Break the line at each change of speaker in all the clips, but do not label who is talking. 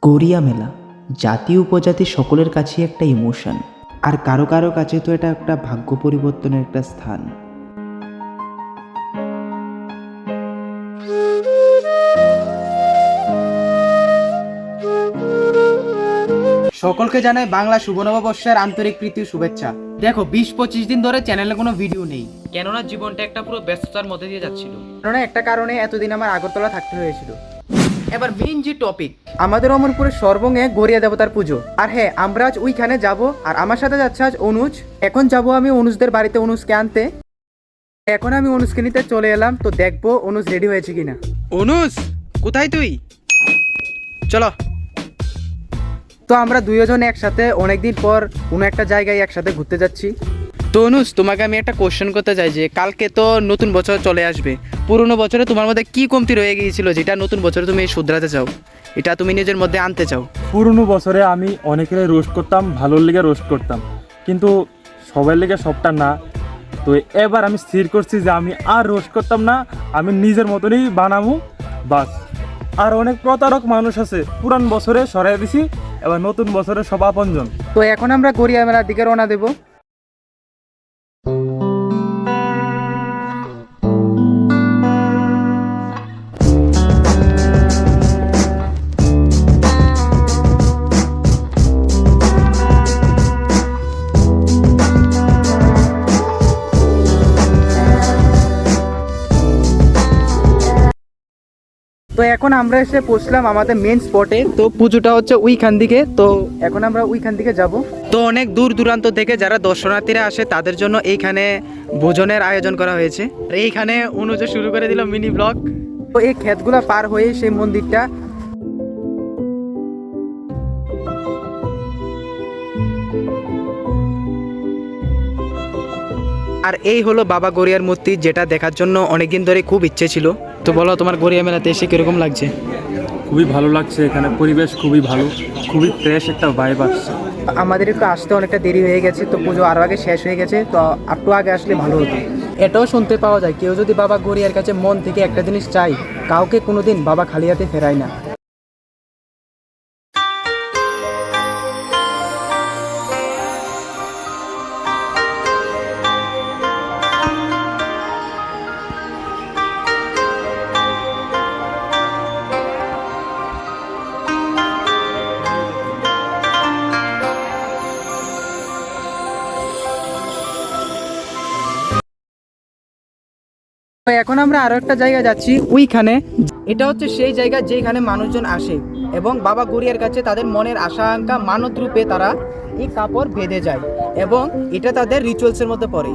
গড়িয়া মেলা জাতি উপজাতি সকলের কাছে একটা ইমোশন, আর কারো কারো কাছে তো এটা একটা ভাগ্য পরিবর্তনের একটা স্থান।
সকলকে জানাই বাংলা শুভ নববর্ষের আন্তরিক প্রীতি শুভেচ্ছা। দেখো 20-25 দিন ধরে চ্যানেলে কোনো ভিডিও নেই,
কেননা জীবনটা একটা পুরো ব্যস্ততার মধ্যে দিয়ে যাচ্ছিল।
কারণ একটা কারণে এতদিন আমার আগরতলা থাকতে হয়েছিল। এবার মেইন যে টপিক, আমাদের অমরপুরের সর্বঙ্গে গড়িয়া দেবতার পুজো। আর হ্যাঁ, আমরা আজ ওইখানে যাব, আর আমার সাথে যাচ্ছে আজ অনুজ। এখন যাব আমি অনুজদের বাড়িতে অনুজকে আনতে। এখন আমি অনুজকে নিতে চলে এলাম, তো দেখবো অনুজ রেডি হয়েছে কিনা। অনুজ, কোথায় তুই? চলো। তো আমরা দুইজন একসাথে অনেকদিন পর কোনো একটা জায়গায় একসাথে ঘুরতে যাচ্ছি। তো অনুজ, তোমাকে আমি একটা কোশ্চেন করতে চাই যে কালকে তো নতুন বছর চলে আসবে, পুরনো বছরে তোমার মধ্যে কি কমতি রয়ে গিয়েছিল যেটা নতুন বছরে তুমি শুধরাতে চাও, এটা তুমি নিজের মধ্যে আনতে চাও?
পুরনো বছরে আমি অনেকের রোস্ট করতাম, ভালোর লেগে রোস্ট করতাম, কিন্তু সবার লেগে সবটা না। তো এবার আমি স্থির করছি যে আমি আর রোস্ট করতাম না, আমি নিজের মতনই বানাবো বাস। আর অনেক প্রতারক মানুষ আছে, পুরান বছরে সরাই দিছি, এবার নতুন বছরে সব আপনজন।
তো এখন আমরা গড়িয়া মেলার দিকে রওনা দেব। তো এখন আমরা এসে পৌঁছলাম আমাদের মেন স্পটে। তো পুজোটা হচ্ছে ওইখান দিকে, তো এখন আমরা ওইখান দিকে যাব। তো অনেক দূর দূরান্ত থেকে যারা দর্শনার্থীরা আসে তাদের জন্য এইখানে ভোজনের আয়োজন করা হয়েছে। আর এইখানে অনুজ শুরু করে দিল মিনি ব্লগ। তো এই ক্ষেতগুলো পার হয়ে সেই মন্দিরটা। আর এই হলো বাবা গড়িয়ার মূর্তি, যেটা দেখার জন্য অনেকদিন ধরে খুব ইচ্ছে ছিল। তো বলো, তোমার গড়িয়া মেলাতে এসে কিরকম লাগছে?
খুবই ভালো লাগছে, এখানে পরিবেশ খুবই ভালো, খুবই ফ্রেশ একটা ভাইব আসছে।
আমাদের একটু আসতে অনেকটা দেরি হয়ে গেছে, তো পুজো আরও আগে শেষ হয়ে গেছে, তো একটু আগে আসলে ভালো হতো। এটাও শুনতে পাওয়া যায়, কেউ যদি বাবা গড়িয়ার কাছে মন থেকে একটা জিনিস চাই, কাউকে কোনোদিন বাবা খালি হাতে ফেরায় না। তো এখন আমরা আরো একটা জায়গা যাচ্ছি ওইখানে। এটা হচ্ছে সেই জায়গা যেখানে মানুষজন আসে এবং বাবা গড়িয়ার কাছে তাদের মনের আশা আকাঙ্ক্ষা মানত রূপে তারা এই কাপড় বেঁধে যায়, এবং এটা তাদের রিচুয়ালসের মধ্যে পড়ে।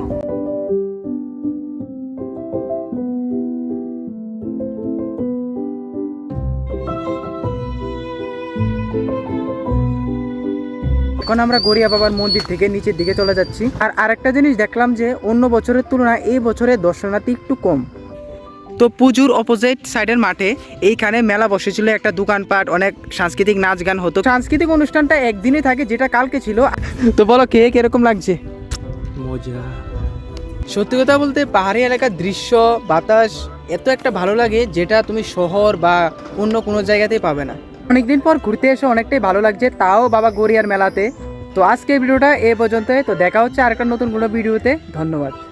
এখন আমরা গড়িয়া বাবার মন্দির থেকে নিচের দিকে চলে যাচ্ছি। আর আরেকটা জিনিস দেখলাম যে অন্য বছরের তুলনায় এই বছরে দর্শনার্থী একটু কম। তো পুজোর অপোজিট সাইডের মাঠে এইখানে মেলা বসেছিল, একটা দোকানপাট, অনেক সাংস্কৃতিক নাচ গান হতো। সাংস্কৃতিক অনুষ্ঠানটা একদিনই থাকে, যেটা কালকে ছিল। তো বলো, কে কিরকম লাগছে?
মজা।
সত্যি কথা বলতে পাহাড়ি এলাকার দৃশ্য, বাতাস এত একটা ভালো লাগে, যেটা তুমি শহর বা অন্য কোনো জায়গাতেই পাবে না। অনেকদিন পর ঘুরতে এসে অনেকটাই ভালো লাগছে, তাও বাবা গড়িয়ার মেলাতে। তো আজকের ভিডিওটা এ পর্যন্তই। তো দেখা হচ্ছে আরেকটা নতুন কোনো ভিডিওতে। ধন্যবাদ।